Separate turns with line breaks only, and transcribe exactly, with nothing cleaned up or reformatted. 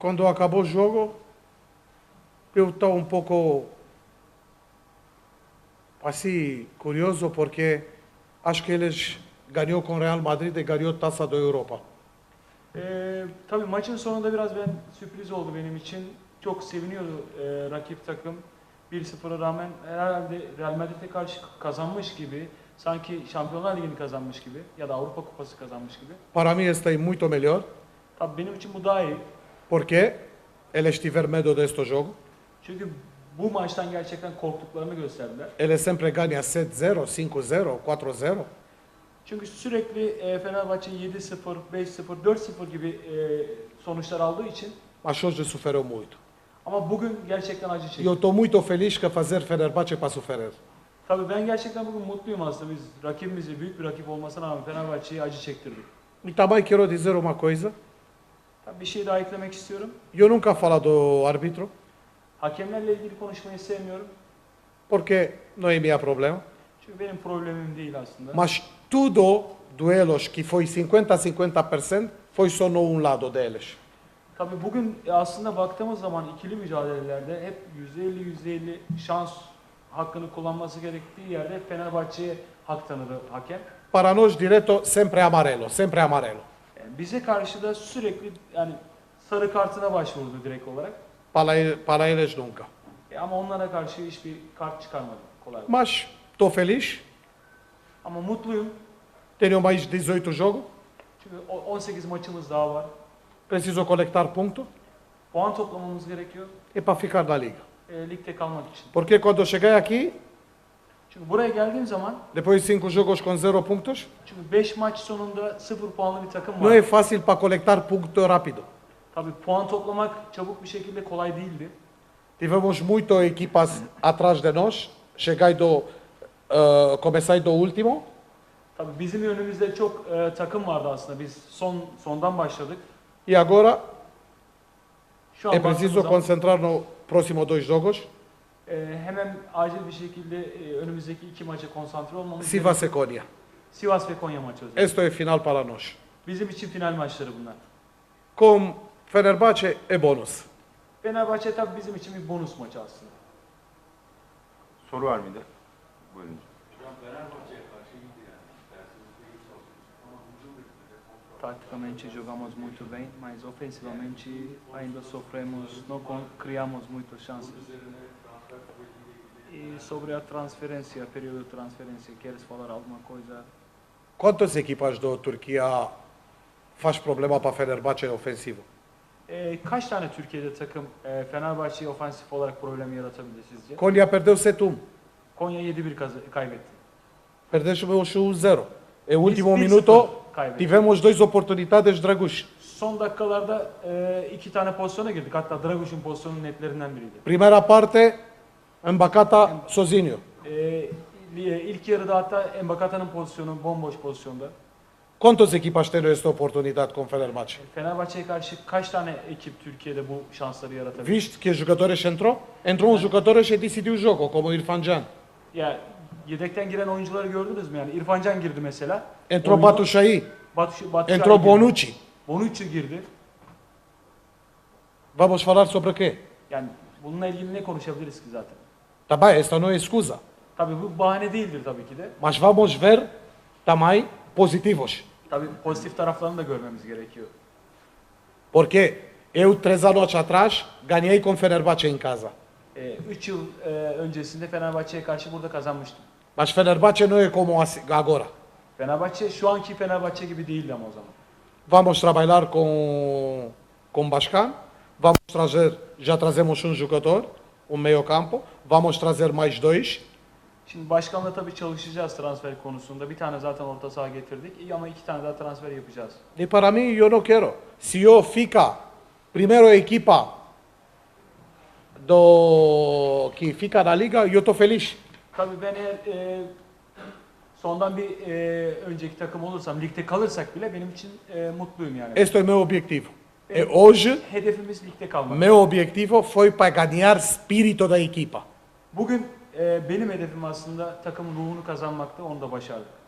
Quando acabou o jogo, eu estava um pouco assim curioso porque acho que eles ganhou com o Real Madrid e ganhou a Taça da Europa.
Ee, tabii maçın sonunda biraz ben sürpriz oldu benim için. Çok seviniyordu e, rakip takım. bir sıfıra rağmen herhalde Real Madrid'e karşı kazanmış gibi, sanki Şampiyonlar Ligi'ni kazanmış gibi ya da Avrupa Kupası kazanmış gibi.
Para mim está muito melhor
Tabii benim için bu daha iyi.
porque eles tiveram medo deste jogo.
Çünkü bu maçtan gerçekten korktuklarını gösterdiler.
Eles sempre ganham sete zero, cinco zero, quatro zero.
Çünkü sürekli e, Fenerbahçe yedi sıfır, beş sıfır, dört sıfır gibi e, sonuçlar aldığı için,
Mas hoje sofreu muito.
ama bugün gerçekten acı
E
çekti.
eu estou muito feliz que fazer Fenerbahçe para sofrer.
Tabii ben gerçekten bugün mutluyum aslında. Biz rakibimizi, büyük bir rakip olmasına rağmen Fenerbahçe'yi acı çektirdik.
E também quero dizer uma coisa.
Tabii bir şey daha eklemek istiyorum.
Eu nunca falo do árbitro
Hakemlerle ilgili konuşmayı sevmiyorum.
porque não é meu problema.
Çünkü benim problemim değil aslında.
Mas tudo duelos que foi cinquenta a cinquenta por cento foi só no um lado deles.
Tabii bugün aslında baktığımız zaman ikili mücadelelerde hep yüzde elli yüzde elli şans hakkını kullanması gerektiği yerde Fenerbahçe'ye hak tanıdı hakem.
Para nós direto sempre amarelo, sempre amarelo.
Yani bize karşı da sürekli yani sarı kartına başvurdu direkt olarak.
Para, ele- para eles nunca.
E ama onlara karşı hiçbir kart çıkarmadı kolay.
Mas estou feliz.
Ama mutluyum.
Tenho mais dezoito jogos.
Çünkü o- on sekiz maçımız daha var.
Preciso coletar pontos
Puan toplamamız gerekiyor.
e para ficar na liga.
E, ligde kalmak için.
Porque quando cheguei aqui,
Çünkü buraya geldiğim zaman,
depois de cinco jogos com zero pontos,
çünkü beş maç sonunda sıfır puanlı bir takım
não é
var.
fácil para coletar pontos rápido.
Tabii puan toplamak çabuk bir şekilde kolay değildi.
Tivemos muito equipas atrás de nós. Cheguei do, uh, comecei do último.
Tabii bizim önümüzde çok e, takım vardı aslında. Biz son sondan başladık.
E agora
Şu an
é preciso
baktığımız zaman,
concentrar no próximo dois jogos.
e, hemen acil bir şekilde e, önümüzdeki iki maça konsantre olmamız
Sivas
gerekiyor.
e Konya.
Sivas ve Konya maçı özellikle.
Este é final para nós.
Bizim için final maçları bunlar.
Com Fenerbahçe é bônus.
Fenerbahçe tabii bizim için bir bonus maçı aslında.
Soru var mıydı? Buyurun.
Taticamente jogamos muito bem, mas ofensivamente ainda sofremos, não con- criamos muitas chances. E sobre a transferência, período de transferência, queres falar alguma coisa?
Quantas equipas da Turquia faz problema para Fenerbahçe ofensivo?
E, kaç tane Türkiye'de takım e, Fenerbahçe'ye ofansif olarak problem yaratabilir sizce?
Konya perdeu sete um.
Konya yedi bir kaz- kaybetti.
Perdemos um zero. É o último
bir
minuto
sıfır kaybetti.
tivemos duas oportunidades de Dragush.
Son dakikalarda e, iki tane pozisyona girdik. Hatta Draguş'un pozisyonun netlerinden biriydi.
Primeira parte, Mbakata sozinho.
E, ilk yarıda hatta Embakata'nın pozisyonu bomboş pozisyonda.
Quantas equipas têm esta oportunidade com Fenerbahçe?
Fenerbahçe'ye karşı kaç tane ekip Türkiye'de bu şansları yaratabilir?
Viste que os jogadores entrou? Entrou um jogadores e decidiu o jogo, como o Irfan Can.
Ya yedekten giren oyuncuları gördünüz mü yani? İrfan Can girdi mesela.
Entrou
Oyunu-
Batushaí.
Batu, Batu
Entrou
girdi.
Bonucci.
Bonucci girdi.
Vamos falar sobre quê?
Yani bununla ilgili ne konuşabiliriz ki zaten?
Tá bem, esta não é excusa.
Tabii bu bahane değildir tabii ki de.
Mas vamos ver também positivos.
Tabii pozitif taraflarını da görmemiz gerekiyor.
Porque eu, três anos atrás, ganhei com Fenerbahçe em casa.
Ee, üç yıl e, öncesinde Fenerbahçe'ye karşı burada kazanmıştım.
Mas Fenerbahçe não é como assim- agora.
Fenerbahçe şu anki Fenerbahçe gibi değildi ama o zaman.
Vamos trabalhar com, com Bascan. Vamos trazer, já trazemos um jogador, um meio campo. Vamos trazer mais dois.
Şimdi başkanla tabii çalışacağız transfer konusunda. Bir tane zaten orta saha getirdik. İyi ama iki tane daha transfer yapacağız.
E para mim, eu não quero. Se eu fica primeiro a equipa do que fica na liga, eu estou feliz.
Tabii ben eğer e, sondan bir e, önceki takım olursam, ligde kalırsak bile benim için e, mutluyum yani.
Este é o meu objetivo. E hoje,
Hedefimiz ligde kalmak.
meu objetivo foi para ganhar espírito da equipa.
Bugün e, benim hedefim aslında takımın ruhunu kazanmaktı, onu da başardık.